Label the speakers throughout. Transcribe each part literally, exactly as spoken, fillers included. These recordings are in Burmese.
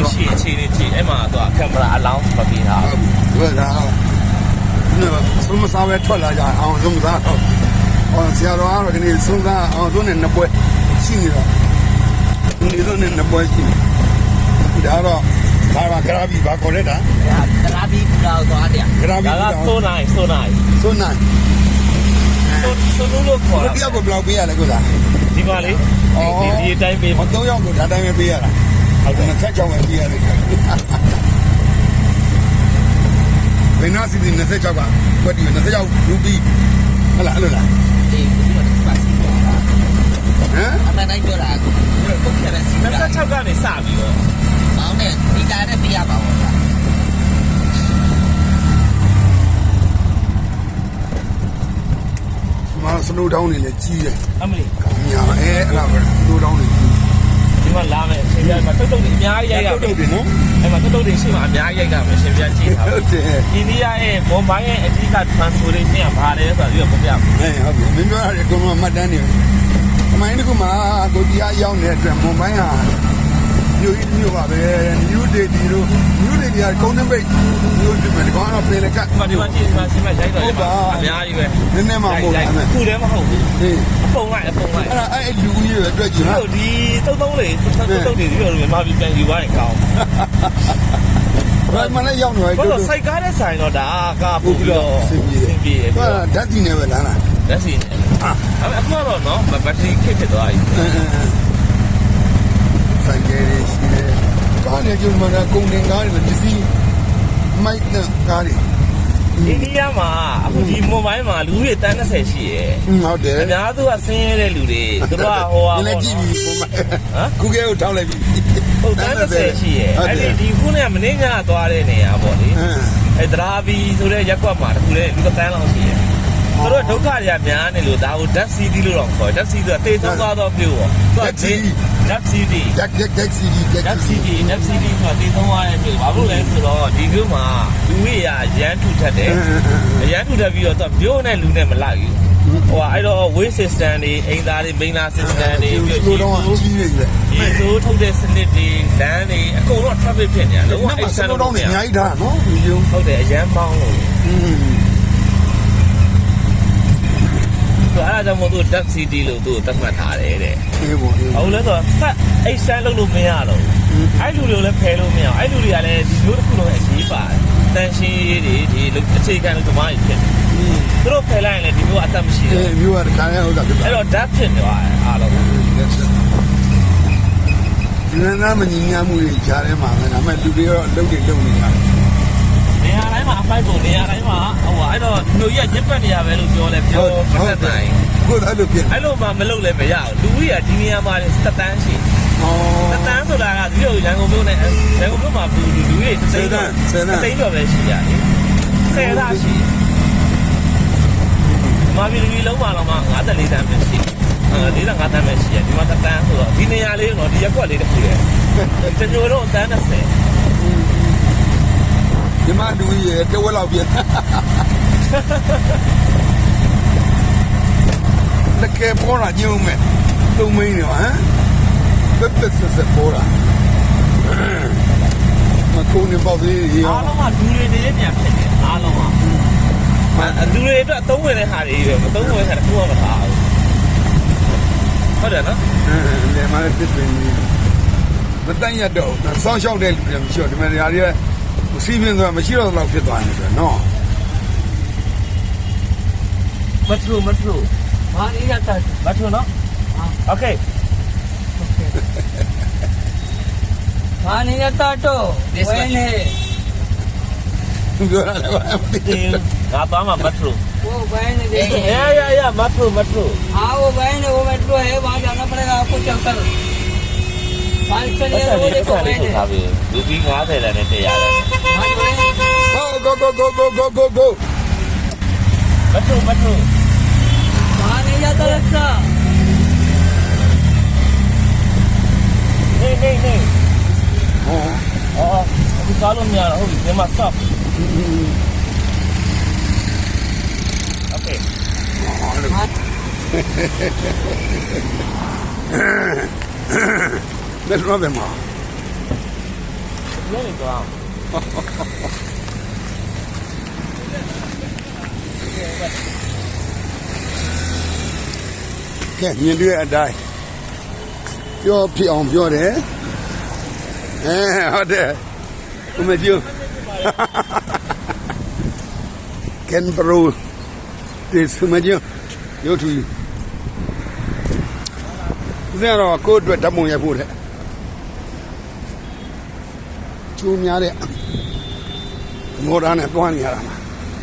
Speaker 1: လို့ရှိရင်အချိန်လေးကြည့်အဲ့မှာသူကကင်မရာအလောင်းမပေးတာ
Speaker 2: ဟုတ်ကဲ့နော်ဆုံးမစားပဲထွက်လာကြအောင်ဆုံးမစားတော့ဟောဆရာတော်ကတော့ဒီနေ့ဆုံးစားအောင်သူနဲ့နှစ်ပွဲရှိနေတော့ဒီလိုနဲ့နှစ်ပွဲရှိနေဒါတော့ဘာဘာဂရာဘီဘာခေါ်လဲတာ
Speaker 1: ဂရာဘီကတော့သွားတယ်
Speaker 2: ဂရာဘီက
Speaker 1: ဆိုနိုင်ဆိုနိုင်
Speaker 2: ဆိုနိုင်
Speaker 1: ဆိုဆိုလို့ခေါ်တာ
Speaker 2: ဒီကဘယ်လောက်ပေးရလဲကိုသား
Speaker 1: ဒီပါလေဒီဒီအတိုင်းပေး
Speaker 2: မတော့ရောက်လို့ဒါတိုင်းပဲပေးရတာဟုတ်တယ်ဆက်ကြောင်ပဲပေးရတယ်ဘယ်နာစီဒီနှစ်ကြောက်ကဘယ်ဒီနှစ်ကြောက်လူပြီးဟလာအဲ့လိုလား
Speaker 1: အေးဒီမှာပါစီဟမ်
Speaker 2: အ
Speaker 1: မှန်တိုင်းပြောတာကိုပုတ်ခဲ့တဲ့စီနှစ်၆ကနေစပြီးတော့မောင်းနဲ့ဒီကားနဲ့ပေးရပါဘော
Speaker 2: မစနိုးတောင်းနေလေကြီးတယ်
Speaker 1: အမလီ
Speaker 2: ညာအဲအဲ့ဒါပဲစနိုးတောင်းနေကြီး
Speaker 1: ဒီမှာလာမယ်ရှင်ပြမှာတုတ်တုတ်တွေအများကြီးရိုက်ရ
Speaker 2: တုတ်တုတ်တွေနော်
Speaker 1: အဲ့မှာတုတ်တုတ်တွေရှိမှအများကြီးရိုက်တာမယ်ရှင်ပြကြည့်တာ
Speaker 2: ဟုတ်တယ်
Speaker 1: အိန္ဒိယရဲ့ဘွန်ဘိုင်းရဲ့အဓိက transportation ကဘာလဲဆိုတော့ဒီကပြပြ
Speaker 2: မယ်အဲဟုတ်ပြီမင်းပြောရတယ်ကိုမမှတ်တမ်းနေအမိုင်းတကူမှာကိုကြီးအရောက်နေတဲ့အတွက်ဘွန်ဘိုင်းဟာမျိုးကြီးမျိုးပါပဲ new day ဒီလို new day ကကုန်းနှမိတ်မျိုးဒီမှာကောင်းတော့ပြင်လက်ကတ်
Speaker 1: ဒီမှာကြည့်ဒီမှာစီမရိုက်တော့အများကြီးပဲ
Speaker 2: နည်းနည်းမှမဟုတ်ဘူး
Speaker 1: ခုတည်းမဟုတ်ဘူးဟေးအပုံလိုက်အပုံလိုက်
Speaker 2: အဲ့ဒါအဲ့လူကြီးတွေအတွက်ကြီးဟာ
Speaker 1: ဒီတုံးတုံးလေးတုံးတုံးတွေဒီလိုမြန်မာပြည်ပြန်ယူသွားရင်ကောင်း
Speaker 2: ဘာမှလည်းရောက်နေတယ်
Speaker 1: တို့စိုက်ကားတဲ့ဆိုင်တော့ဒါကပို့ပြီးတော့
Speaker 2: စင်ပြေ
Speaker 1: စင်ပြေ
Speaker 2: တယ်ဟာဓာတ်စီနေပဲလားလား
Speaker 1: ဓာတ်စီနေဟာအခုတော့နော်ဘက်ထရီခက်ဖြစ်သွားပြီ
Speaker 2: ဆိုင်ကလေးရှိတယ်ကားနဲ့ကျမှလည်းကုန်တင်ကားတွေပစ္စည်းမိုက်နဲ့ကားတွေ
Speaker 1: အိန္ဒိယမှာအခုဒီမိုဘိုင်းမှာလူတွေတန်း၂၀ရှိရယ်
Speaker 2: ဟုတ်တယ်
Speaker 1: အများစုကဆင်းရဲတဲ့လူတွေသူတို့ကဟိုဟာ
Speaker 2: လည်းကြည့်ပြီးမိုဘိုင်းဟမ်ကူကဲကိုထောက်လိုက်ပြီ
Speaker 1: ဟုတ်တန်း၂၀ရှိရယ်အဲ့ဒီဒီခုနဲ့မင်းကသွားတဲ့နေရာပေါ့လေအဲ့ဒရာဘီဆိုတဲ့ရက်ကွက်မှာတခုလေလူတန်းလောက်ရှိရယ်သူတို့ဒုက္ခတွေကများနေလို့ဒါကို Death City လို့တော့ခေါ်တယ် Death City ဆိုတာတေဆုံးသွားတော့မြို့ပေါ့သူက Death City
Speaker 2: Death Death City
Speaker 1: Death City Death City ဆိုတာတေဆုံးသွားတဲ့မြို့ဘာလို့လဲဆိုတော့ဒီမြို့မှာလူတွေရရမ်းထူထပ်တယ်ရမ်းထူထပ်ပြီးတော့သူကမြို့နဲ့လူနဲ့မလိုက်ဘူးဟိုအဲ့တော့ way system တွေအိမ်သားတွေ main system တွေ
Speaker 2: ပြီးတော့ကြီးနေတယ်
Speaker 1: ဒီလိုထုတ်တဲ့စနစ်တွေလမ်းတွေအကုန်လုံး traffic ဖြစ်နေတာလုံးဝ
Speaker 2: အဲ့ဆန်တော့အများကြီးထားနော်ဒီလို
Speaker 1: ဟုတ်တယ်အရန်ပေါင်းလို့ဆိုအဲ့ဒါကြောင့်မို့သူ Death City လို့သူ့ကိုသတ်မှတ်ထားတယ်တဲ့
Speaker 2: အေးပေါ့အေး
Speaker 1: ဟုတ်လဲဆိုတော့ဖတ်အိတ်ဆန်းလုပ်လို့မရတော့ဘူးအဲ့လူတွေကိုလည်းဖယ်လို့မရအောင်အဲ့လူတွေကလည်းဒီမျိုးတစ်ခုလုံးအရေးပါတယ်တန်ရှင်းရေးတွေဒီအခြေခံလို့ဓမ္မကြီးဖြစ်တယ်သူတို့ဖယ်လိုက်ရင်လည်းဒီမျိုးအသက်မရှိဘူး
Speaker 2: အေးမျိုးကခါရဟုတ်တာဖြစ်
Speaker 1: အဲ့တော့ Death ဖြစ်သွားတယ်အားလုံး
Speaker 2: ဒီနာမညီညာမှုတွေကြားထဲမှာပဲဒါပေမဲ့လူတွေတော့လုံတွေလုံနေရတယ်
Speaker 1: နေရာတိုင်းမှာအဖိုက်ပုံနေရာတိုင်းမှာဟိုအဲ့တော့လူကြီးကညစ်ပတ်နေရပဲလို့ပြောလဲပြောဖတ်တိုင်း
Speaker 2: ကိုယ်အဲ့လိုဖြစ်
Speaker 1: အဲ့လိုမှမလုပ်လဲမရဘူးလူကြီးကဒီနေရာမှာစက်တန်းရှိ
Speaker 2: ဩ
Speaker 1: စက်တန်းဆိုတာကဒီလိုရန်ကုန်မြို့နဲ့ရန်ကုန်မြို့မှာဘူးလူကြီးတွေစိတ်တန်းစိတ်တော့ပဲရှိရတယ်ဆယ်သားရှိမာပြည်လူကြီးလုံးပါတော့မှ၅၄တန်းပဲရှိ၄၅တန်းပဲရှိတယ်ဒီမှာစက်တန်းဆိုတော့ဒီနေရာလေးတော့ဒီရက်ကွက်လေးတစ်ခုလေကျွန်တော်တို့အတန်း၂၀
Speaker 2: ဒီမှာလူကြီးတဝက်လောက်ပြန်တကယ်ပေါ်လာညုံမဲ့သုံးမင်းရောဟမ်ပက်ပက်ဆက်ဆက်ပေါ်လာမကုန်းနေပေါ့လေ
Speaker 1: အားလုံးကလူတွေနေပြန်ဖြစ်တယ်အားလုံးကလူတွေအတွက်အသုံးဝင်တဲ့ဟာတွေပဲမသုံးဝင်တဲ့ဟာတစ်ခုမှမထားဘူးဟုတ်တယ်နော်
Speaker 2: အဲလေမလည်းပြစ်ပင်မတန်ရတော့စောင်းရှောက်တဲ့လူတွေမရှိတော့ဒီမှာနေရာတွေစီးပြင်းသွားမရှိတော့တော့ဖြစ်သွားနေတယ်နော်
Speaker 1: မထူမထူဘာနေရတာမထူနော်โอเคဘာနေရတာတော့ဝဲနေ
Speaker 2: ပြောရတယ်ဘာမသိ
Speaker 1: ငါသွားမှာမထူ
Speaker 3: वो बहन ने देखो
Speaker 1: या या या मथुर मथुर
Speaker 3: हाँ वो बहन है वो मेट्रो है वहाँ जाना पड़ेगा आपको चलकर पाँच सौ ले वो देखो बहन है
Speaker 1: रूपी कहाँ से लेने थे यार
Speaker 2: go go go go go go go
Speaker 1: Mathur मथुर
Speaker 3: वहाँ नहीं जाता रिक्शा
Speaker 1: नहीं नहीं नहीं हाँ हाँ अभी कालों में आ रहा हूँ ये मत stop
Speaker 2: Let's rub him off.
Speaker 1: ကနေသွားအောင်
Speaker 2: ကဲမြင်တွေ့အတိုင်းပြောဖြစ်အောင်ပြောတယ်အဲဟုတ်တယ်ဦးမကျူကန်ဘရိုဒီစမကျူရုပ်ထူဦးဇင်းတော့ကိုယ့်အတွက်ဓာတ်ပုံရိုက်ဖို့တဲ့ကျူးများတဲ့မော်ဒန်နဲ့တွားနေရတာမှာ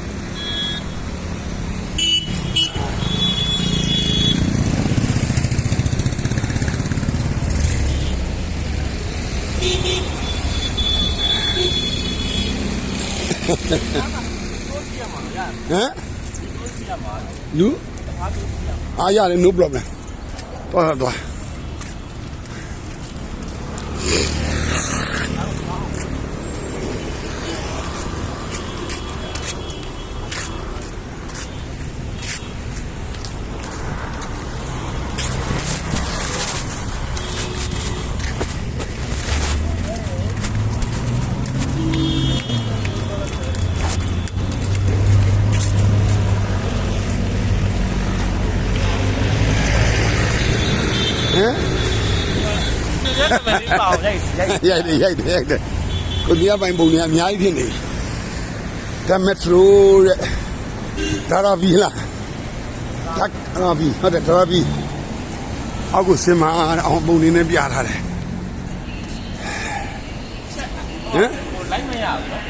Speaker 2: ဟမ်လူအားရတယ် no problem တော့တော့ရိုက်တယ်ရိုက်တယ်ရိုက်တယ်ကိုဒီအပိုင်းပုံတွေအများကြီးဖြစ်နေဒါမက်ထရိုတဲ့ဒါရာဗီလာဒါရာဗီဟုတ်တယ်ဒါရာဗီအောက်ကိုစင်မအောင်ပုံနေနဲ့ပြထားတယ်ဟမ်
Speaker 1: လိုက်မရဘူးနော်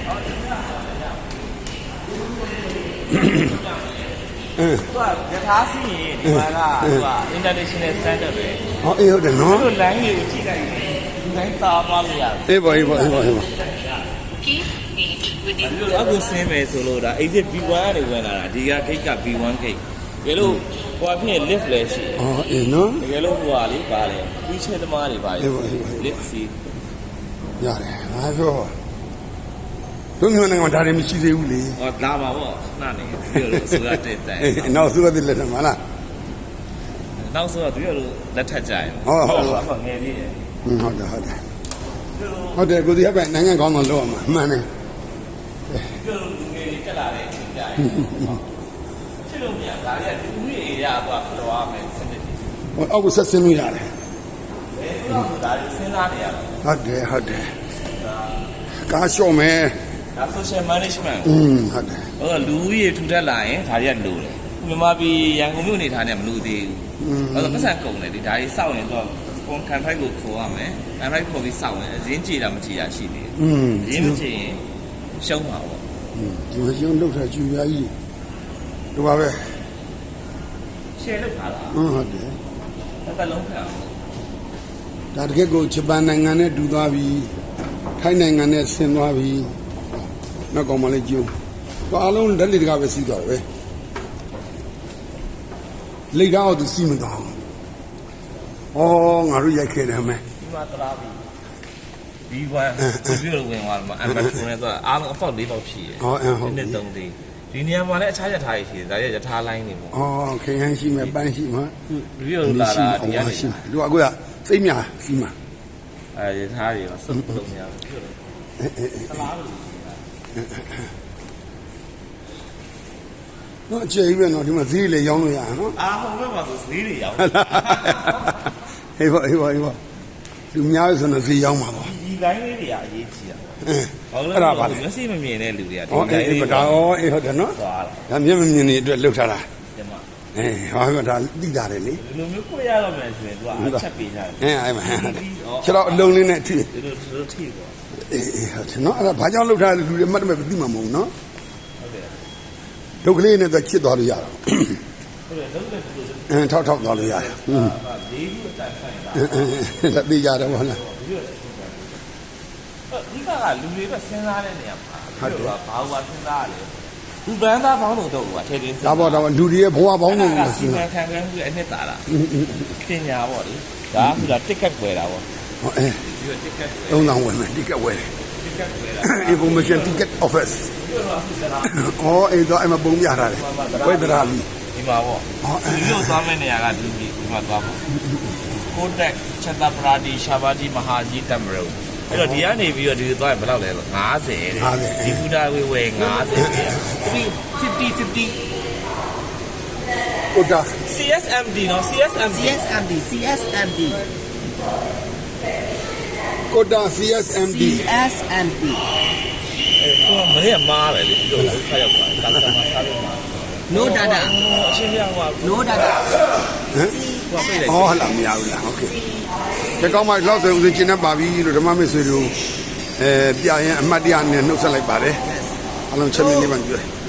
Speaker 2: အင်း
Speaker 1: သူကယထာစီရင်ဒီမှာကသူက international standard ပဲ
Speaker 2: ဟောအေးဟုတ်တယ်နော်
Speaker 1: သူ line ကိုကြည့်လိုက်ရင်ဒီ line သားပါလို့ရတယ်
Speaker 2: အေးပါအေးပါအေးပါအေးပါ
Speaker 1: အခုဆင်းမယ်ဆိုလို့ဒါ exit ဘီ ဝမ် ကနေဝင်လာတာဒီက gate က ဘီ ဝမ် gate တကယ်လို့ဟိုအဖြစ် lift လည်းရှိတယ်
Speaker 2: အော်အေးနော်
Speaker 1: တကယ်လို့ဟိုဟာလေးပါလေပြီးချဲသမားတွေပါလေ lift စီ
Speaker 2: ရတယ်ငါပြောတို့မျိုးနိုင်ငံဒါတွေမရှိသေးဘူးလေ
Speaker 1: ဟောလာပါဗောနှနေပြောလို့ဆိုရတဲ့တိုင်
Speaker 2: နောက်ဆိုရတဲ့လက်ထမလား
Speaker 1: နောက်ဆိုတော့သူတို့လက်ထက်ကြရင်
Speaker 2: ဟုတ်ဟုတ်
Speaker 1: ဟုတ်ငယ်လေးတယ်
Speaker 2: ဟုတ်တယ်ဟုတ်တယ်ဟုတ်တယ်ကိုဒီဟပ်ပဲနိုင်ငံကောင်းတော့လောက်အောင်မှန်တယ်
Speaker 1: ပြောလို့လူငယ်တွေတက်လာတဲ့အချိန်ကြရင်ချစ်လို့မရဒါတွေကလူကြီးတွေရသွားဖတော်ရမယ်စနစ်တွေ
Speaker 2: ဟိုအောက်ကိုဆက်ဆင်းလို့ရတယ်
Speaker 1: ဘယ်လိုလဲဒါတွေစဉ်းစားနေရတာ
Speaker 2: ဟုတ်တယ်ဟုတ်တယ်ကားလျှော့မယ်
Speaker 1: ဒါ social management
Speaker 2: อืมဟုတ်တယ်
Speaker 1: ဟိုလူကြီးတွေထူထပ်လာရင်ဒါတွေကလိုတယ်မြန်မာပြည်ရန်ကုန်မြို့နေထားနေမလို့သေးဘူးအဲ့တော့ပတ်စံကုန်တယ်ဒီဒါကြီးစောက်ရင်တော့ကွန်ကန်ဖိုက်ကိုခေါ်ရမယ်ကန်ဖိုက်ခေါ်ပြီးစောက်ရင်အရင်ကြည်တာမကြည်တာရှိသေးတယ်
Speaker 2: อืม
Speaker 1: ရင်းမကြည်ရင်ရှုံးပါပေါ့
Speaker 2: อืมဒီလိုရှုံးလောက်တာကျူပြားကြီးဒီပါပဲ
Speaker 1: ရှယ်လောက်ထားတာ
Speaker 2: ဟုတ်တယ်
Speaker 1: တစ်သက်လုံးခံ
Speaker 2: ဒါတကယ်ကိုဂျပန်နိုင်ငံနဲ့တူသွားပြီထိုင်းနိုင်ငံနဲ့ဆင်းသွားပြီနောက်ကောင်မလေးကျူဘာအလုံးဓာတ်လေးတကားပဲစီးသွားတယ်ပဲလိတ်တော့သူစီးမသွားဘူး။အော်ငါတို့ရိုက်ခဲ့တယ်မယ်
Speaker 1: ။ဒီမှာတရာပြီ။ဘီ ဝမ် ကိုပြလို့ဝင်သွားမှာအမ်ဘတ်ကိုနဲ့တော့အားလုံးအပေါက်၄ပေါက်ရှိတယ်
Speaker 2: ။ဟောအဟုတ်
Speaker 1: ပြီ။ဒီနေ့သုံးသေး။ဒီနေရာမှာလည်းအခြားရထားကြီးရှိတယ်။ဒါရရထားလိုင်းနေပေါ့
Speaker 2: ။အော်ခရမ်းရှိမယ်ပန်းရှိမှာ
Speaker 1: ။ဘီလို့လာတာဒီကနေရှိ
Speaker 2: ။တို့ကကိုစိတ်များစီးမှာ
Speaker 1: ။အဲရထားကြီးတော့စုံလုံးများပြလို့။ဆလားလို့
Speaker 2: နော်ကျေးပဲနော်ဒီမှာဈေးလေရောင်းလို့ရအောင်နော်
Speaker 1: အာဟုတ်ပဲပါဆိုဈေးတွေရောင်း
Speaker 2: ဟေးပါဟေးပါဟေးပါလူများဆိုတော့ဈေးရောင်းမှာပေါ့
Speaker 1: ဒီလိုင်းလေးတွေကအရေးကြီးတာ
Speaker 2: ဟုတ်အဲ့ဒါပါလေ
Speaker 1: မျက်စိမမြင်တဲ့လူတွေက
Speaker 2: ဒီလိုင်းလေးဒါဩအေးဟုတ်တယ်နော်ဒါမျက်မမြင်နေအတွက်လှုပ်ထားတာ
Speaker 1: ကျမ
Speaker 2: အေးဟောဒါတိတာတယ်လေ
Speaker 1: ဒီလိုမျိုးကိုရတော့မယ်ဆိုရင်သူကအချက်ပေးထားတယ်
Speaker 2: အဲအဲ့မှာခြေတော့အလုံးလေးနဲ့ထိ
Speaker 1: ဒီလိုဒီလိုထိပေါ့
Speaker 2: အေးဟုတ်တယ်နော်အဲ့ဒါဘာကြောင့်လှုပ်ထားလဲလူတွေမှတ်တယ်မသိမှာမဟုတ်နော်ဒုက္ခလေးနဲ့တော့ချစ်သွားလို့ရတာ
Speaker 1: ဟုတ်တယ်လုံးနဲ့တူ
Speaker 2: အင်းထောက်ထောက်သွားလို့ရတယ်ဟွန်း
Speaker 1: လေးခုအတိုင်းဆိုင်တာ
Speaker 2: ဒါသိကြတယ်ဘောလား
Speaker 1: ဒီကကလူတွေပဲစဉ်းစားတဲ့နေရာမှာဟုတ်တယ်ဘာဘာစဉ်းစားရလဲဘူပန်းသားဘောင်းတို့တော့ကထဲတင်း
Speaker 2: ဒါပေါ့တော့လူတွေရဲ့ဘဝဘောင်းတို့
Speaker 1: ကိုစဉ်းစားခံခံပြီးအနှစ်သာလားပညာပေါ့လေဒါကကတစ်ကတ်ွယ်တာပေါ့
Speaker 2: ဟုတ်အဲ
Speaker 1: ဒီကတစ်ကတ်
Speaker 2: သုံးဆောင်ဝယ်မယ်တစ်ကတ်ဝယ်တယ် information ticket office အော်အဲ့တော့အမပုံပြထားတယ်ဝိဒရာလီ
Speaker 1: ဒီမှာပေါ့ဒီလိုသွားမယ့်နေရာကဒီဒီမှာသွားပေါ့ကိုတက်ချက်တာပရာဒီရှာဘာဂျီမဟာဂျီတမ်ဘရိုအဲ့တော့ဒီကနေပြီးတော့ဒီသွားဘယ်လောက်လဲဆို50ဒီဖူတာဝေဝေ50 fifty fifty
Speaker 2: ကိုတာ
Speaker 1: C S M D နော် C S M D
Speaker 3: C S M D C S M D
Speaker 2: ကိုတာ C S M D
Speaker 3: C S M D
Speaker 1: အဲ့တော့မင်းကမားပဲလေဒီလိုခါရောက်ပါကာစတမာစားလို့မှာ
Speaker 3: no data
Speaker 1: အရှင်းပြဟို
Speaker 3: no data
Speaker 2: ဟမ်
Speaker 1: ဟိုပြေးလိုက်
Speaker 2: ဟောလာမရဘူးလားโอเคဒီကောင်းမှလောက်ဆိုဦးစင်းကျင်းနေပါပြီလို့ဓမ္မမစ်ဆွေတို့အဲပြရင်အမှတ်တရနဲ့နှုတ်ဆက်လိုက်ပါတယ်အလုံးချက်မြင့်နေမှကြွ